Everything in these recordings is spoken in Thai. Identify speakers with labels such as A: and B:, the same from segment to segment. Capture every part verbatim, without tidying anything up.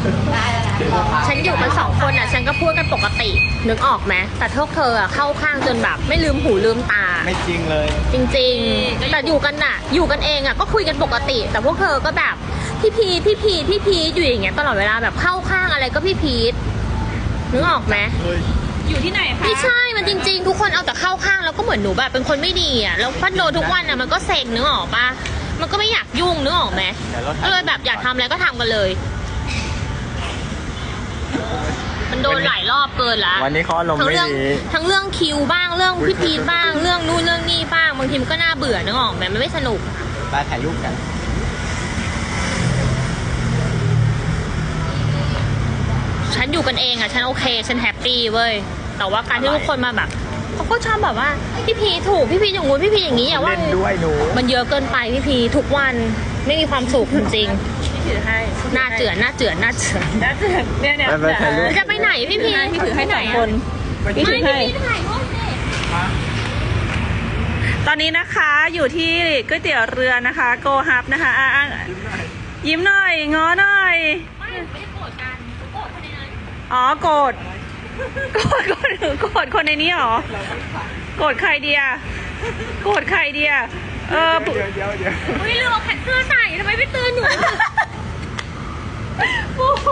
A: ฉันอยู่กันสองคนอ่ะฉันก็พูดกันปกตินึกออกไหมแต่พวกเธออ่ะเข้าข้างจนแบบไม่ลืมหูลืมตา
B: ไม่จริงเลย
A: จริงๆแต่อยู่กันอ่ะอยู่กันเองอ่ะก็คุยกันปกติแต่พวกเธอก็แบบพี่พีพี่พีพี่พีอยู่อย่างเงี้ยตลอดเวลาแบบเข้าข้างอะไรก็พี่พีทนึกออกไหม
C: อยู่ที่ไหนคะ
A: ไม่ใช่มันจริงๆทุกคนเอาแต่เข้าข้างแล้วก็เหมือนหนูแบบเป็นคนไม่ดีอ่ะแล้วพัดโดนทุกวันอ่ะมันก็เซ็งนึกออกปะมันก็ไม่อยากยุ่งนึกออกไหมก็เลยแบบอยากทำอะไรก็ทำกันเลยมันโดนหลายรอบเกินละ
B: วันนี้เขาอารมณ์ไม่ดี
A: ทั้งเรื่องคิวบ้างเรื่องพี่พีทบ้างเรื่องนู่นเรื่องนี่บ้างบางทีมันก็น่าเบื่อนึกออกไหมมันไม่สนุก
B: ไปถ่ายรูปกัน
A: ฉันอยู่กันเองอะฉันโอเคฉันแฮปปี้เว้ยแต่ว่าการที่ทุกคนมาแบบเขาก็ชอบแบบว่าพี่พีถูกพี่พีอย่างงู้นพี่พีอย่างนี้อย่าว่า
B: ด้วยหนู
A: มันเยอะเกินไปพี่พีทุกวันไม่มีความสุขจริง
C: ๆถือให้
A: หน้าเจือนหน้าเจือนหน้าเจือน
C: หน้าเจือนเนี่ยเนี่ย
A: จะไปไหนพี่พี
C: พี่ถือให้สองคนพี่ถือให้ตอนนี้นะคะอยู่ที่ก๋วยเตี๋ยวเรือนะคะโกฮับนะคะอ่ะยิ้มหน่อยง้อหน่อย
A: ไม่ไม่ได้โกรธกันโกรธคนในนั้น
C: อ๋อโกรธโกรธโกรธโกรธคนในนี้หรอโกรธใครเดียโกรธใครเดียเออ
B: เดี๋ยวเดี๋ยวเดี๋ยว
A: เฮ้ยเรื่องแขนเสื้อใส่ทำไมไม่ตื่นหนูปุ๊บ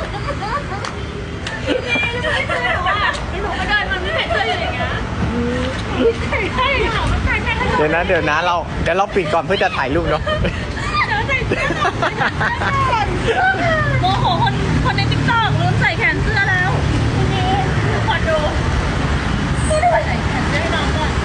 A: ไม่ตื่นหนูอ่ะหนูมาเดินมันไม่แขนเสื้ออยู่อย่างเงี้ยใช่ใช่หนูมันใส่ใช่
B: เดี๋ยวนะเดี๋ยวนะเราเดี๋ยวเราปิดก่อนเพื่อจะถ่ายรูปเนาะ
C: เดี๋ยวใส่เสื้อโมโหคนคนในติ๊กต็อกลืมใส่แขนเสื้อแล้วขอดูไม่ได้ใส่แขนเสื้อให้น้องก่อน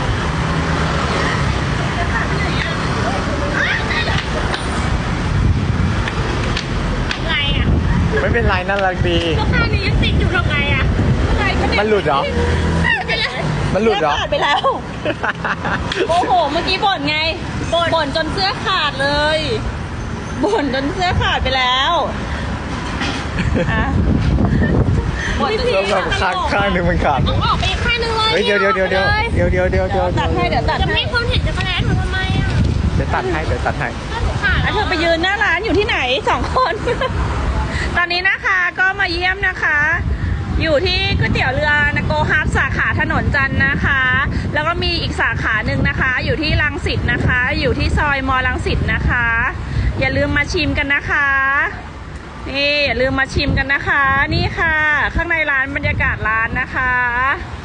A: ไงอ่ะ
B: ไม่เป็นไรน่ารักดี
A: ก็ข้างนี้ยังติดอยู่ทำไงอ่ะ
B: มันหลุดเหรอมันหลุดเหรอ
C: ขาดไปแล้วโอ้โหเมื่อกี้บ่นไงบ่นจนเสื้อขาดเลยบ่นจนเสื้อขาดไปแล้วอ่ะ
B: บ่นจนเสื้อขาดข้างข้างหนึ่งมันขาด
A: ต้องออกไปข้างนึงเลย
B: เดี๋ยวเดี๋ยวเดี๋ยวเดี๋ยวเดี๋ยวเดี๋ยวเดี๋ยวเดี๋ยว
C: ตัดให้เดี๋ยวตัด
A: จะไม่คนเห็นจะมาแล้วหนูทำไมอ่ะ
B: เดี๋ยวตัดให้เดี๋ยวตัดให้
C: อ่ะเธอไปยืนหน้าร้านอยู่ที่ไหนสองคนตอนนี้นะคะก็มาเยี่ยมนะคะอยู่ที่ก๋วยเตี๋ยวเรือนะโกฮับสาขาถนนจันทร์นะคะแล้วก็มีอีกสาขาหนึ่งนะคะอยู่ที่รังสิตนะคะอยู่ที่ซอยมอรังสิตนะคะอย่าลืมมาชิมกันนะคะนี่อย่าลืมมาชิมกันนะคะนี่ค่ะข้างในร้านบรรยากาศร้านนะคะ